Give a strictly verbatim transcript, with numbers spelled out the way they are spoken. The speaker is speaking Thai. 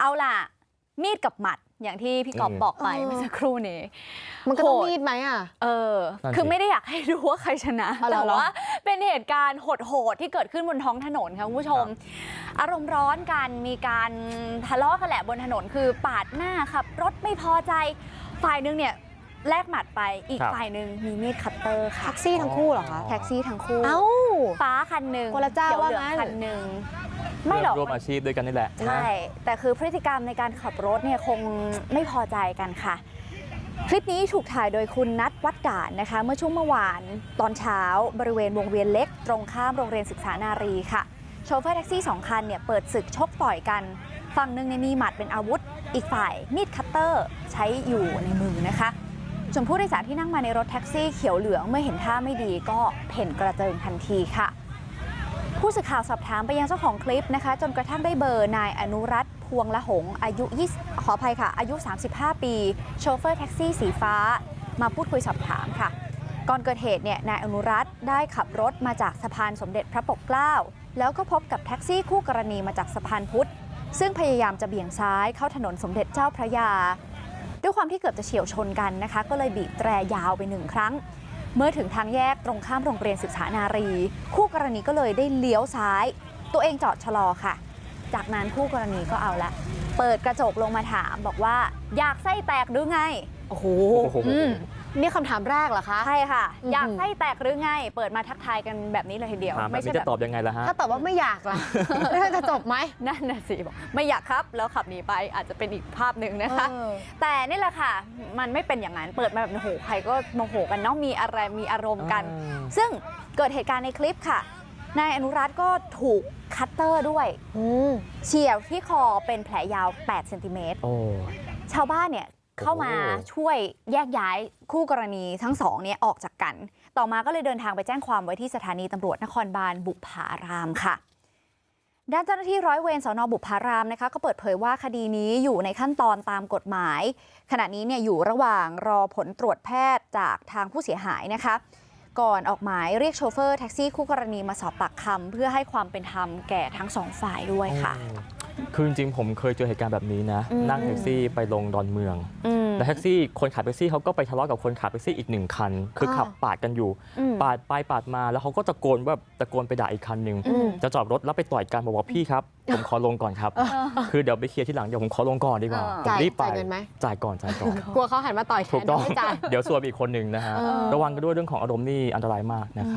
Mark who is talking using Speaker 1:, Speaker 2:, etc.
Speaker 1: เอาล่ะมีดกับหมัดอย่างที่พี่กอบบอกไปเมื่อสักครู่นี้
Speaker 2: มันก็ต้องมีดไหมอ่ะ
Speaker 1: เออคือไม่ได้อยากให้ดูว่าใครชนะแต่ว่าเป็นเหตุการณ์โหดๆที่เกิดขึ้นบนท้องถนนค่ะคุณผู้ชมอารมณ์ร้อนกันมีการทะเลาะกันแหละบนถนนคือปาดหน้าขับรถไม่พอใจฝ่ายนึงเนี่ยแลกหมัดไปอีกฝ่ายหนึ่งมีมีดคัตเตอร์ค่ะ
Speaker 2: แท็กซี่ทั้งคู่เหรอคะ
Speaker 1: แท็กซี่ทั้งคู่
Speaker 2: เอ้า
Speaker 1: ฟ้าคันหนึ่ง
Speaker 2: คนละเจ้าว่างั้น
Speaker 1: คันหนึ่งไม่หรอก
Speaker 3: ร่วมอาชีพด้วยกันนี่แหละ
Speaker 1: ใช่แต่คือพฤติกรรมในการขับรถเนี่ยคงไม่พอใจกันค่ะคลิปนี้ถูกถ่ายโดยคุณนัทวัดด่านนะคะเมื่อช่วงเมื่อวานตอนเช้าบริเวณวงเวียนเล็กตรงข้ามโรงเรียนศึกษานารีค่ะโชเฟอร์แท็กซี่สองคันเนี่ยเปิดศึกชกต่อยกันฝั่งหนึ่งมีหมัดเป็นอาวุธอีกฝ่ายมีดคัตเตอร์ใช้อยู่ในมือนะคะส่วนผู้โดยสารที่นั่งมาในรถแท็กซี่เขียวเหลืองเมื่อเห็นท่าไม่ดีก็เพ่นกระเจิงทันทีค่ะผู้สื่อข่าวสอบถามไปยังเจ้าของคลิปนะคะจนกระทั่งได้เบอร์นายอนุรัตน์พวงละหงอายุ20ขออภัยค่ะอายุสามสิบห้าปีโชเฟอร์แท็กซี่สีฟ้ามาพูดคุยสอบถามค่ะก่อนเกิดเหตุเนี่ยนายอนุรัตน์ได้ขับรถมาจากสะพานสมเด็จพระปกเกล้าแล้วก็พบกับแท็กซี่คู่กรณีมาจากสะพานพุทธซึ่งพยายามจะเบี่ยงซ้ายเข้าถนนสมเด็จเจ้าพระยาด้วยความที่เกือบจะเฉี่ยวชนกันนะคะก็เลยบีบแตรยาวไปหนึ่งครั้งเมื่อถึงทางแยกตรงข้ามโรงเรียนศึกษานารีคู่กรณีก็เลยได้เลี้ยวซ้ายตัวเองจอดชะลอค่ะจากนั้นคู่กรณีก็เอาละเปิดกระจกลงมาถามบอกว่าอยากไส้แตกหรือไง
Speaker 2: โอ้โหนี่คำถามแรกเหรอคะ
Speaker 1: ใช่ค่ะอยากไส้แตกหรือไงเปิดมาทักทายกันแบบนี้เลยทีเดียว
Speaker 3: ไม่ใช่จะตอบยังไงล่ะฮะ
Speaker 2: ถ้าตอบว่าไม่อยากล่ะแล้วจะจบไหม
Speaker 1: นั่นน่ะสิบอกไม่อยากครับแล้วขับหนีไปอาจจะเป็นอีกภาพหนึ่งนะคะแต่นี่แหละค่ะมันไม่เป็นอย่างนั้นเปิดมาแบบโอ้โหใครก็โมโหกันเนาะมีอะไรมีอารมณ์กันซึ่งเกิดเหตุการณ์ในคลิปค่ะนายอนุรัตน์ก็ถูกคัตเตอร์ด้วยเฉี่ยวที่คอเป็นแผลยาวแปดเซนติเมตรชาวบ้านเนี่ยเข้ามาช่วยแยกย้ายคู่กรณีทั้งสองเนี่ยออกจากกันต่อมาก็เลยเดินทางไปแจ้งความไว้ที่สถานีตำรวจนครบาลบุพารามค่ะด้านเจ้าหน้าที่ร้อยเวรสน.บุพารามนะคะก็เปิดเผยว่าคดีนี้อยู่ในขั้นตอนตามกฎหมายขณะนี้เนี่ยอยู่ระหว่างรอผลตรวจแพทย์จากทางผู้เสียหายนะคะก่อนออกหมายเรียกโชเฟอร์แท็กซี่คู่กรณีมาสอบปากคำเพื่อให้ความเป็นธรรมแก่ทั้งสองฝ่ายด้วยค่ะ
Speaker 3: คือจริงๆผมเคยเจอเหตุการณ์แบบนี้นะนั่งแท็กซี่ไปลงดอนเมืองแล้วแท็กซี่คนขับแท็กซี่เขาก็ไปทะเลาะกับคนขับแท็กซี่อีกหนึ่งคันคือขับปาดกันอยู่ปาดไปปาดมาแล้วเขาก็ตะโกนแบบตะโกนไปด่าอีกคันหนึ่งจะจอดรถแล้วไปต่อยกันบอกว่าพี่ครับผมขอลงก่อนครับคือเดี๋ยวไปเคลียร์ที่หลังเดี๋ยวผมขอลงก่อนดีกว่าผมรีบไปจ่ายก่อนจ่ายก่อน
Speaker 2: กลัวเขาหันมาต่อยแทน
Speaker 3: ถูกต้องเดี๋ยวซวยอีกคนหนึ่งนะฮะระวังกันด้วยเรื่องของอารมณ์นี่อันตรายมากนะครับ